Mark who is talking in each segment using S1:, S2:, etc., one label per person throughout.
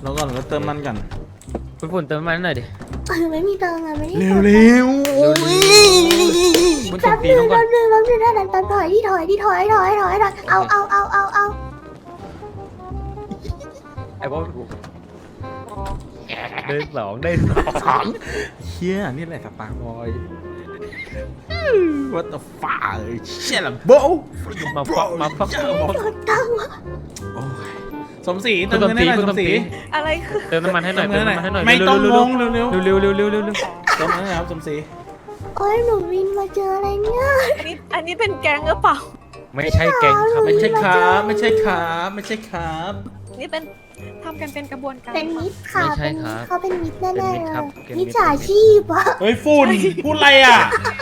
S1: แล้วก่อนก็เติมมันกัน
S2: คุณฝุ่นเติมน้ำมันหน่อยดิ
S3: ไม่มีตังค์อะไม่ได้
S1: เร็วเร็วโอ้ย
S2: คุณส
S3: แป๊
S2: ม
S3: บ
S2: ศรี
S3: นึ
S2: ล
S3: ง
S2: งก่อน
S3: แป๊บนึงนั่นถอยเอา
S2: ไอ้บอสได้สองได้สอง
S1: เฮียนี่แหละสปาร์บอย What the fuck เชี่ยละโบ
S2: มาฟักมาฟัก
S3: ตังค์
S1: โอ้ยสมศรีเติมเงินให้หน่อย
S2: คุณ
S1: ส
S2: ส
S1: ม
S2: ม
S1: ศ
S2: ศ
S1: รี
S2: รี
S4: อะไรคือ
S2: เติมน้ำมันให้หน่อยเติมน้ำมันให้หน่อย
S1: ไม่ต้องงง
S2: เร็ว
S1: เร็ว
S2: เร็วเร็วเร็วเร็วเร็ว
S1: เติมเงินนะครับสมศรี
S3: โอ้ยหนูวินมาเจออะไรเนี่ย
S4: อันนี้เป็นแก๊งหรือเปล่า
S2: ไม่ใช่แก๊งครับ
S1: ไม่ใช่ครับไม่ใช่ครับไม่ใช่ครับ
S4: นี่เป็นทำกันเป็นกระบวนการ
S3: เป็นมิตรค่ะเขาเป็นมิตรแน่ๆเลยมิจฉาชีพอะ
S1: เฮ้ยฝุ่นพูดอะไรอ่ะ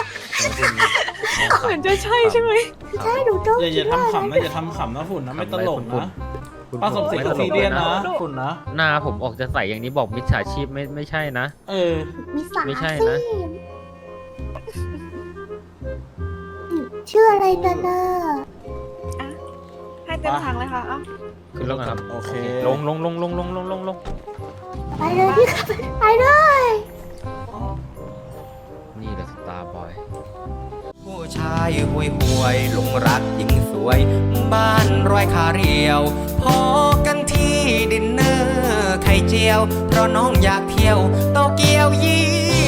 S4: เหมือนจะใช่ใช่ไหม
S3: ใช่หนูต้อง
S1: อย่าทำขำนะอย่าทำขำนะฝุ่นนะไม่ตลกนะป้าสมศรีก็ซีเรียสนะฝุ่นนะ
S2: หน้าผมออกจะใส่อย่างนี้บอกมิจฉาชีพไม่ใช่นะ
S1: เออ
S3: มิสา
S2: ไม่ใช่นะ
S3: ชื่ออะไรกันน่ะ
S4: ให้เต็มถังเลยค่ะอ่ะ
S2: ขึ้นลงครับ
S1: โอเค
S2: ลงลงลงลงลงลงลงลง
S3: ไปเลยพี่ไปเลย
S2: นี่แหละสตาร์บอย
S5: ผู้ชายห่วยห่วยหลงรักหญิงสวย บ้านรอยขาเรียวพอกันที่ดินเนอร์ไข่เจียว เพราะน้องอยากเที่ยวโตเกียวยี่